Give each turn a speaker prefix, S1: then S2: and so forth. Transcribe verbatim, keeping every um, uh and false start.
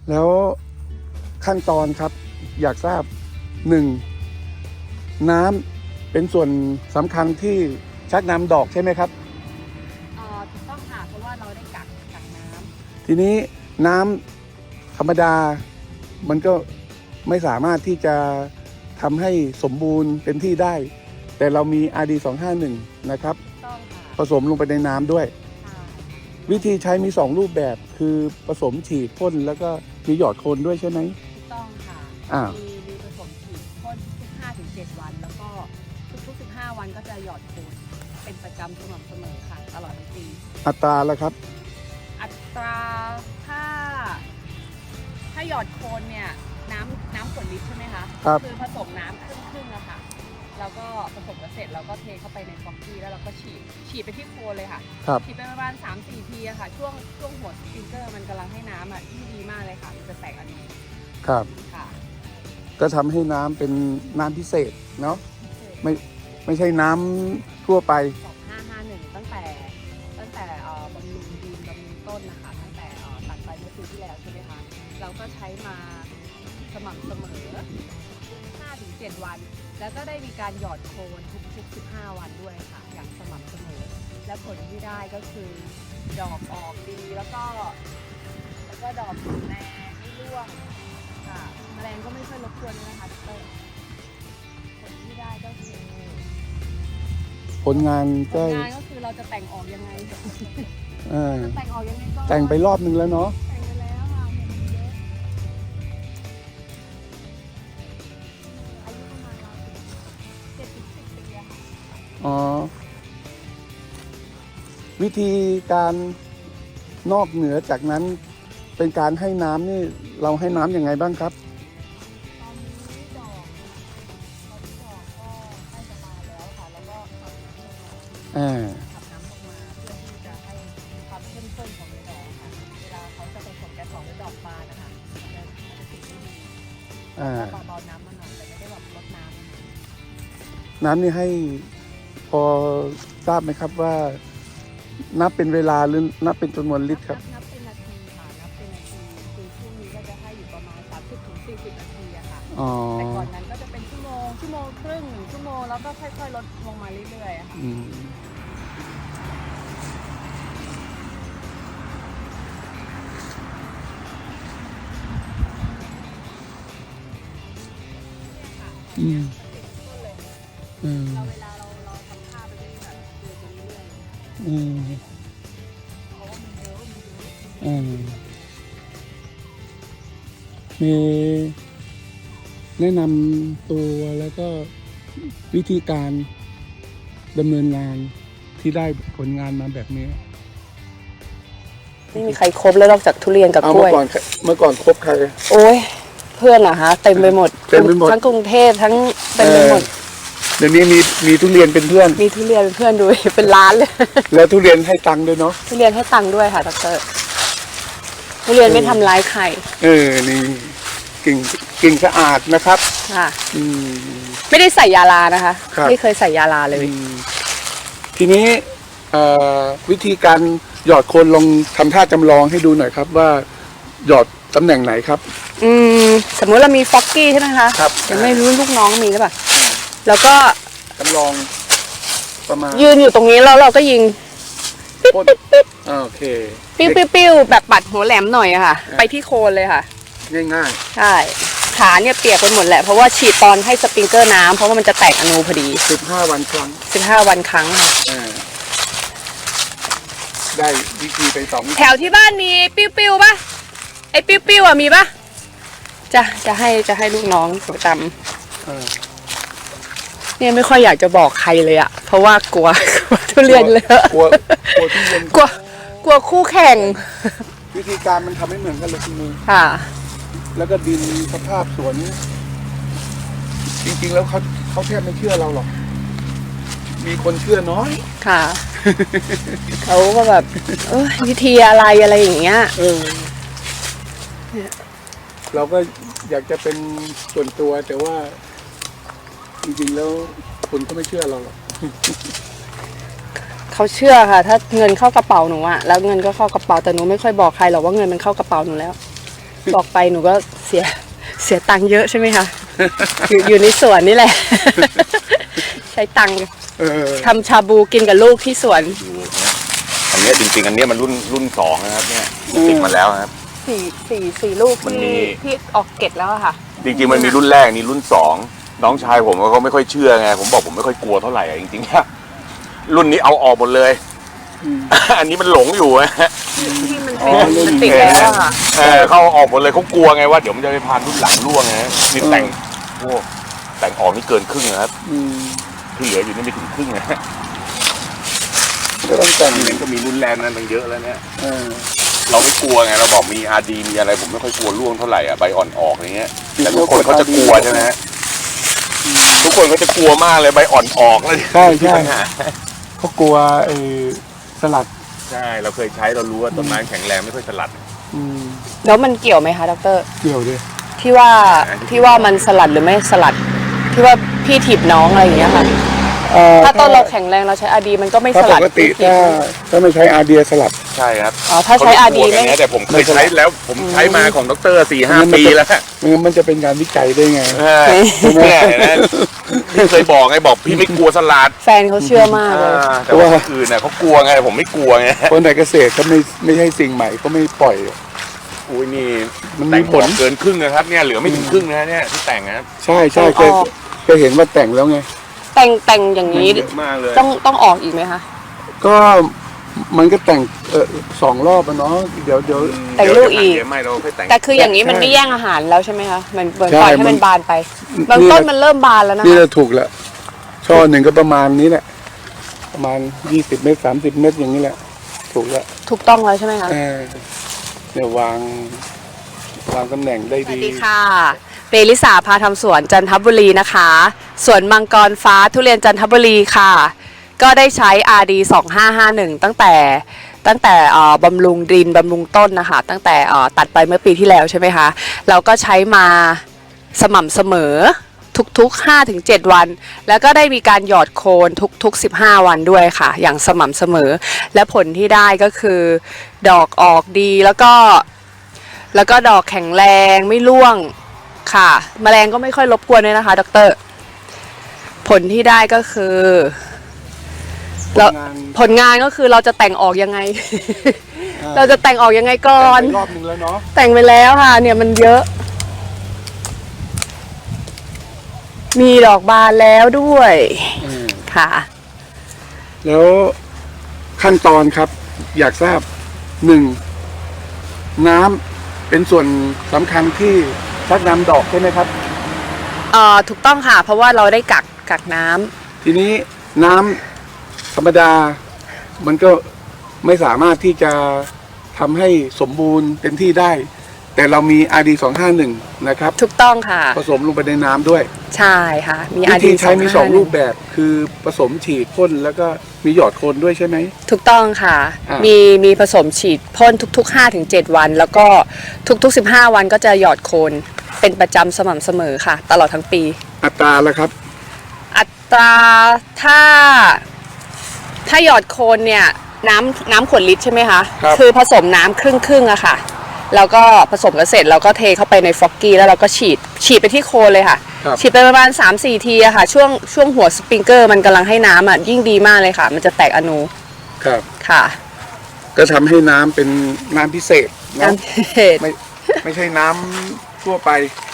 S1: แล้วขั้นตอนครับอยากทราบหนึ่งน้ำเป็นส่วนสำคัญที่ชักนำดอกใช่ไหมครับ
S2: อ่าถูกต้องค่ะเพราะว่าเราได้กักกักน้ำ
S1: ทีนี้น้ำธรรมดามันก็ไม่สามารถที่จะทำให้สมบูรณ์เต็มที่ได้ แต่เรามี อาร์ ดี สองห้าหนึ่ง นะครับผสมลงไปในน้ำด้วยวิธีใช้มีสองรูปแบบคือผสมฉีดพ่นแล้วก็มีหยอดโคนด้วยใช่ไหม
S2: ถูกต้องค่ะ
S1: อ่า
S2: มีมีผสมฉีดพ่นทุก ห้าถึงเจ็ด วันแล้วก็ทุกๆสิบห้าวันก็จะหยอดโคนเป็นประจำสม่ำเสมอค่ะตลอดทั้งปี
S1: อัตราละครับ
S2: อัตราถ้าถ้าหยอดโคนเนี่ยน้ำน้ำขวดลิตรใช่ไหมคะ
S1: ครับ
S2: คือผสมน้ำครึ่งครึ่งอะค่ะแล้วก็ผสมกันเสร็จเราก็เทเข้าไปในฟอกกี้แล้วเราก็ฉีดฉีดไปที่โคนเลยค่ะฉีดไปประมาณ สามถึงสี่ ทีอะค่ะช่วงช่วงหัวสปริงเกอร์มันกำลังให้น้ำอะที่ดีมากเลยค่ะมันจะแตกอันนี้
S1: ครับ
S2: ค่ะ
S1: ก็ทำให้น้ำเป็นน้ำพิเศษเนาะไม่ไม่ใช่น้ำทั่วไป
S2: สองห้าห้าหนึ่งตั้งแต่ตั้งแต่บำรุงดินบำรุงต้นนะคะตั้งแต่ตัดไปเมื่อปีที่แล้วใช่ไหมคะเราก็ใช้มาสม่ำเสมอ ห้าถึงเจ็ด วันแล้วก็ได้มีการหยอดโคนทุกๆสิบห้าวันด้วยค่ะอย่างสม่ำเสมอและผลที่ได้ก็คือดอกออกดีแล้วก็แล้วก็ดอกแข็งแรงไม่ร่วงค่ะแมลงก็ไม่ค่อยรบกวนนะคะดร.ผลที่ได้ก็คือ
S1: ผลงาน
S2: ก็ผลงานก็คือเราจะแต่งออกยังไง
S1: เออ
S2: แต่งออกยังไงก็
S1: แต่งไปรอบนึงแล้วเนาะ
S2: แต่งไปแล้วค่ะเห็นเยอะอายุประมาณเราเจ็ดถึงสิบปีอะค่ะ
S1: อ๋อวิธีการนอกเหนือจากนั้นเป็นการให้น้ำนี่เราให้น้ำยังไงบ้างครับ
S2: ตอนนี้ดอกตอนนี้ดอกก็ใกล้จะมาแล้วค่ะแล้วก็ขับน้ำลงมา
S1: อ่า
S2: ขับน้ำลงมาเพื่อที่จะให้ความเข้มข้นของเนื้อดอกค่ะเวลาเขาจะผสมแก๊สสองด้วยดอกบานนะคะมันจะมันจะติดไม่ดี
S1: อ่า
S2: เบาๆน้ำมันหน่อยแต่ไม่ได้แบบลดน้ำนะคะ
S1: น้ำนี่ให้พอทราบไหมครับว่านับเป็นเวลาหรือนับเป็นจำนวนลิตรครับ
S2: นับเป็นนาทีค่ะนับเป็นนาทีคือช่วงนี้ก็จะให้อยู่ประมาณ สามสิบถึงสี่สิบ นาทีอะค่ะแต่ก่อนนั้นก็จะเป็นชั่วโมงชั่วโมงครึ่งหนึ่งชั่วโมงแล้วก็ค่อยๆลดลงมาเรื่อยๆอะค่ะ
S1: อืมอืม
S2: เราเวลาเราเราทำท่าไปเรื่อยแบบเดินไปเรื่อยๆ
S1: อืม
S2: เพราะว่ามันเยอะมันเยอะ
S1: อืมมีแนะนำตัวแล้วก็วิธีการดำเนินงานที่ได้ผลงานมาแบบนี้
S2: ไม่มีใครครบแล้วนอกจากทุเรียนกับกล้วย
S1: เมื่อก่อนเมื่อก่อนครบใคร
S2: โอ้ยเพื่อนเหรอคะเต็มไปหมด
S1: เต็มไปหมด
S2: ทั้งกรุงเทพทั้งเต็มไปหมด
S1: เดี๋ยวนี้มีมีทุเรียนเป็นเพื่อน
S2: มีทุเรียนเป็นเพื่อนด้วยเป็นล้านเลย
S1: แล้วทุเรียนให้ตังค์ด้วยเนาะ
S2: ทุเรียนให้ตังค์ด้วยค่ะดร.ทุเรียนไม่ทำร้ายใคร
S1: เออนี่กิ่งกิ่งสะอาดนะครับ
S2: ค่ะ
S1: อืม
S2: ไม่ได้ใส่ยาลานะคะไม่เคยใส่ยาลาเลย
S1: ทีนี้วิธีการหยอดโคนลองทำท่าจำลองให้ดูหน่อยครับว่าหยอดตำแหน่งไหนครับ
S2: อืมสมมุติเรามีฟอกกี้ใช่ไหมคะ
S1: ครับ
S2: ยังไม่รู้ลูกน้องมีหรือเปล่าแล้วก็
S1: จำลองประมาณ
S2: ยืนอยู่ตรงนี้แล้วเราก็ยิง
S1: ปิ๊บปิ๊บปิ๊บโอเค
S2: ปิ้วปิ้วปิ้วแบบปัดหัวแหลมหน่อยอะค่ะไปที่โคนเลยค่ะ
S1: ง่าย
S2: ๆใช่ขาเนี่ยเปียกไปหมดแหละเพราะว่าฉีดตอนให้สปริงเกอร์น้ำเพราะว่ามันจะแตกอนูพอดี
S1: สิบห้าวันครั้ง
S2: สิบห้าวันครั้งค่ะ
S1: ได้วิธีไปสอง
S2: แถวที่บ้านมีปิ้วปิ้วป่ะไอ้ปิ้วปิ้วอะมีป่ะจะจะให้จะให้ลูกน้องประจำเนี่ยไม่ค่อยอยากจะบอกใครเลยอะเพราะว่ากลัวกลัวทุเรียนเลย
S1: กลัวกลัวทุเรียน
S2: กลัวกลัวคู่แข่ง
S1: วิธีการมันทำไม่เหมือนกันเลยคุณมือ
S2: ค่ะ
S1: แล้วก็ดินสภาพสวนจริงๆแล้วเขาเขาแทบไม่เชื่อเราหรอกมีคนเชื่อน้อย
S2: ค่ะเขาก็แบบเออวิธีอะไรอะไรอย่างเงี้ย
S1: เออเราก็อยากจะเป็นส่วนตัวแต่ว่าจริงๆแล้วคนก็ไม่เชื่อเราหรอก
S2: เขาเชื่อค่ะถ้าเงินเข้ากระเป๋าหนูอะแล้วเงินก็เข้ากระเป๋าแต่หนูไม่ค่อยบอกใครหรอกว่าเงินมันเข้ากระเป๋าหนูแล้วบอกไปหนูก็เสียเสียตังค์เยอะใช่ไหมคะ อยู่อยู่ในสวนนี่แหละ ใช้ตังค์
S1: เออ
S2: ทำชาบูกินกับลูกที่สวน
S3: ดูเนี่ยอันเนี้ยจริงๆอันเนี้ยมันรุ่นรุ่นสองนะครับเนี่ยติดมาแล้วครับ
S2: สี่สี่สี่ลูก
S3: มันมี
S2: ที่ที่ออกเกตแล้วอะค่ะ
S3: จริงๆมันมีรุ่นแรกนี่รุ่นสองน้องชายผมเขาไม่ค่อยเชื่อไงผมบอกผมไม่ค่อยกลัวเท่าไหร่อะจริงๆนะรุ่นนี้เอาออกหมดเลย อันนี้มันหลงอยู่อะ
S2: ที่มัน
S1: อ๋อ
S2: ติดมันติดแล้วอะค่ะ
S3: เออเขาเอาออกหมดเลยเขากลัวไงว่าเดี๋ยวมันจะไปพานรุ่นหลังร่วงไงนี่แต่งโอ้แต่งออกนี่เกินครึ่งนะครับ
S1: อืม
S3: ที่เหลืออยู่นี่ไม่ถึงครึ่งนะ
S1: ก็ต้องแต่ง
S3: นี่ก็มีรุ่นแรกนั้นตั้งเยอะแล้วเนี่ย
S1: เออ
S3: เราไม่กลัวไงเราบอกมีอาร์ดีมีอะไรผมไม่ค่อยกลัวร่วงเท่าไหร่อ่ะใบอ่อนออกอย่างเงี้ยแต่ทุกคนเขาจะกลัวใช่ไหมฮะทุกคนเขาจะกลัวมากเลยใบอ่อนออกแล้ว
S1: ใช่ใช่
S3: ปัญหา
S1: เขากลัวไอ้สลัด
S3: ใช่เราเคยใช้เรารู้ว่าต้นไม้แข็งแรงไม่ค่อยสลัด
S1: อืม
S2: แล้วมันเกี่ยวไหมคะดร
S1: เกี่ยวดิ
S2: ที่ว่าที่ว่ามันสลัดหรือไม่สลัด ที่ว่าพี่ถีบน้องอะไรอย่างเงี้ยค่ะ
S1: เอ่อ
S2: ถ้าต้นเราแข็งแรงเราใช้อาดีมันก็ไม่
S1: ถ้า
S2: ส
S1: ป
S2: ลัด
S1: กติ
S2: พี่ถี
S1: ถ้า
S2: บ
S1: ถ้าไม่ใช้อาร์เดียสลัด
S3: ใช่ครับ
S2: อ๋อถ้าใช้อาดี
S3: เขา
S2: ไม่
S3: กลัวกันนะแต่ผมเคยใช้แล้วผมใช้มาของดรสี่ห้าปีแล้ว
S1: ไมันมันจะเป็นการวิจัยได้ไง
S3: เออเนี่ยเห็นไหมพี่เคยบอกไงบอกพี่ไม่กลัวสลัด
S2: แฟนเขาเชื่อมากเลย
S3: อ่าแต่ว่าคนอื่นน่ะเขากลัวไงผมไม่กลัวไง
S1: คนในเกษตรเขาไม่ไม่ใช่สิ่งใหม่เขาไม่ปล่อย
S3: อุ้ยนี่
S1: มันมี
S3: แต่ง
S1: ผ
S3: ผ
S1: ล
S3: ลเกินครึ่งนะครับเนี่ยเหลือไม่ถึงครึ่งนะเนี่ยที่แต่งนะครับ
S1: ใช่ใช่เคยเคยเห็นว่าแต่งแล้วไง
S2: แต่งแต่งอย่างนี้
S3: เยอะมากเลย
S2: ต้องต้องออกอีกไหมคะ
S1: ก็มันก็แต่งเออสองรอบอะเนาะเดี๋ยวเดี๋ยว
S2: แต่งลูกอีก
S3: เดี๋ยวไม่เราค่อยแต่ง
S2: แต่คืออย่างนี้มัน
S1: ใช่
S2: ไม่แย่งอาหารแล้วใช่ไหมคะมันเหมือน
S1: ใช่
S2: ปล่อยให้
S1: มั
S2: มัน นบานไปบาง
S1: นี่
S2: ต้น
S1: แหละ
S2: มันเริ่มบานแล้วนะ
S1: นี่
S2: คะ
S1: จะถูกแล้วช่อหนึ่งก็ประมาณนี้แหละ ประมาณยี่สิบเมตรสามสิบเมตรอย่างนี้แหละ ถูกแล้ว
S2: ถูกต้องแล้วใช่ไหมคะ
S1: เออเนี่ยวางวางตำแหน่งได้
S2: สวั
S1: ดี
S2: สดีค่ะเปริสาพาทำสวนจันทบุรีนะคะสวนมังกรฟ้าทุเรียนจันทบุรีค่ะ ก็ได้ใช้ อาร์ ดี สองห้าห้าหนึ่ง ตั้งแต่ตั้งแต่เอ่อบำรุงดินบำรุงต้นนะคะตั้งแต่เอ่อตัดไปเมื่อปีที่แล้วใช่ไหมคะเราก็ใช้มาสม่ำเสมอทุกๆ ห้าถึงเจ็ด วัน แล้วก็ได้มีการหยอดโคนทุกๆ สิบห้า วันด้วยค่ะ อย่างสม่ำเสมอ และผลที่ได้ก็คือดอกออกดีแล้วก็ แล้วก็ดอกแข็งแรงไม่ร่วงค่ะ แมลงก็ไม่ค่อยรบกวนเลยนะคะดรผลที่ได้ก็คือเรา
S1: งาน
S2: ผลงานก็คือเราจะแต่งออกยังไง เราจะแต่งออกยังไงก่อน
S1: แต่งไปรอบนึงแล้วเนาะ
S2: แต่งไปแล้วค่ะ เนี่ยมันเยอะ มีดอกบานแล้วด้วย
S1: อืม
S2: ค่ะ
S1: แล้วขั้นตอนครับ อยากทราบหนึ่งน้ำเป็นส่วนสำคัญที่ชักนำดอกใช่ไหมครับ
S2: เอ่อถูกต้องค่ะ เพราะว่าเราได้กักกักน้ำ
S1: ทีนี้น้ำธรรมดา มันก็ไม่สามารถที่จะทำให้สมบูรณ์เต็มที่ได้ แต่เรามี อาร์ ดี สองห้าหนึ่ง นะครับ
S2: ถูกต้องค่ะ
S1: ผสมลงไปในน้ำด้วย
S2: ใช่ค่ะ มี
S1: วิ
S2: อาร์
S1: ธี
S2: ดี
S1: ใช้มีสองรูปแบบ คือผสมฉีดพ่นแล้วก็มีหยอดโคนด้วยใช่ไหม
S2: ถูกต้องค่ะ
S1: อ่ามี
S2: มีมีผสมฉีดพ่นทุกๆ ห้าถึงเจ็ด วัน แล้วก็ทุกๆ สิบห้า วันก็จะหยอดโคนเป็นประจำสม่ำเสมอค่ะ ตลอดทั้งปี
S1: อัตราละครับ
S2: อัตราถ้า ถ้าหยอดโคนเนี่ยน้ำน้ำขวดลิตรใช่ไหมคะ
S1: ครับ
S2: อผสมน้ำครึ่งครึ่งๆอะค่ะ แล้วก็ผสมกันเสร็จแล้วก็เทเข้าไปในฟอกกี้แล้วเราก็ฉีดฉีดไปที่โคนเลยค่ะ
S1: ครับ
S2: ฉีดไปประมาณ สามสี่ ทีอะค่ะ ช่วงช่วงหัวสปริงเกอร์มันกำลังให้น้ำอะยิ่งดีมากเลยค่ะ มันจะแตกอนู
S1: ครับ
S2: ค่ะ
S1: ก็ทำให้น้ำเป็นน้ำพิเศษเนอะ
S2: น้ำเทศ
S1: ไม่ไม่ใช่น้ำทั่วไป